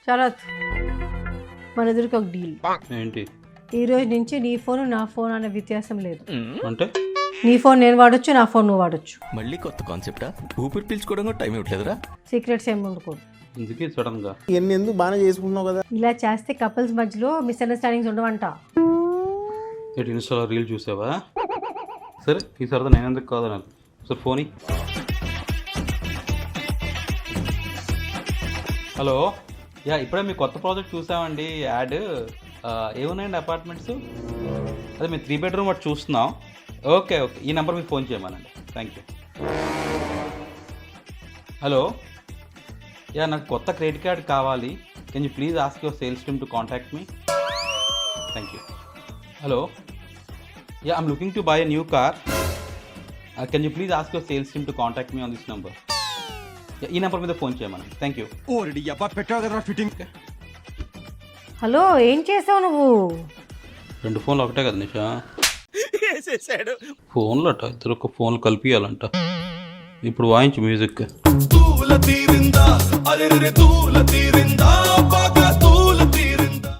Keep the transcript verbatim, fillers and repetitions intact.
శరత్, మన ఎదురుకి ఒక డీల్. ఏంటి? ఈ రోజు నుంచి నీ ఫోన్ నా ఫోన్ అనే వ్యత్యాసం లేదు. అంటే నీ ఫోన్ నేను వాడొచ్చు, నా ఫోన్ నువ్వు వాడొచ్చు. మళ్ళీ కొత్త కాన్సెప్టా? ఊపిరి పీల్చుకోవడం కూడా టైం ఇవ్వట్లేదురా. సీక్రెట్స్ ఏమి ఉండకూడదు. ఇందుకే సడన్ గా ఎన్ని ఎందుకు బాగానే చేసుకుంటున్నావు కదా. ఇలా చేస్తే కపుల్స్ మధ్యలో మిస్అండర్స్టాండింగ్స్ ఉండవంట. ఏంటి ఇన్స్టాలో రీల్ చూసావా? సరే ఈ సరదా నేను ఎందుకు కాదన్నారు. Sir phone. హలో, యా ఇప్పుడే మీ కొత్త ప్రాజెక్ట్ చూసామండి. యాడ్ ఏమున్నాయండి అపార్ట్మెంట్స్? అదే మేము త్రీ బెడ్రూమ్ వాటి చూస్తున్నాం. ఓకే ఓకే, ఈ నెంబర్ మీకు ఫోన్ చేయమనండి. Thank you. హలో, యా నాకు కొత్త క్రెడిట్ కార్డ్ కావాలి. Can you please ask your sales team to contact me? Thank you. Hello, yeah I'm looking to buy a new car. Can you please ask your sales team to contact me on this number? ఈ number మీద phone చేయమని. Thank you. Hello, ఏం చేసావు నువ్వు? రెండు ఫోన్లు ఒకటే కదా నిషా? ఫోన్లు అట ఇద్దరు ఒక ఫోన్లు కలిపియాలంట. ఇప్పుడు వాయించు మ్యూజిక్.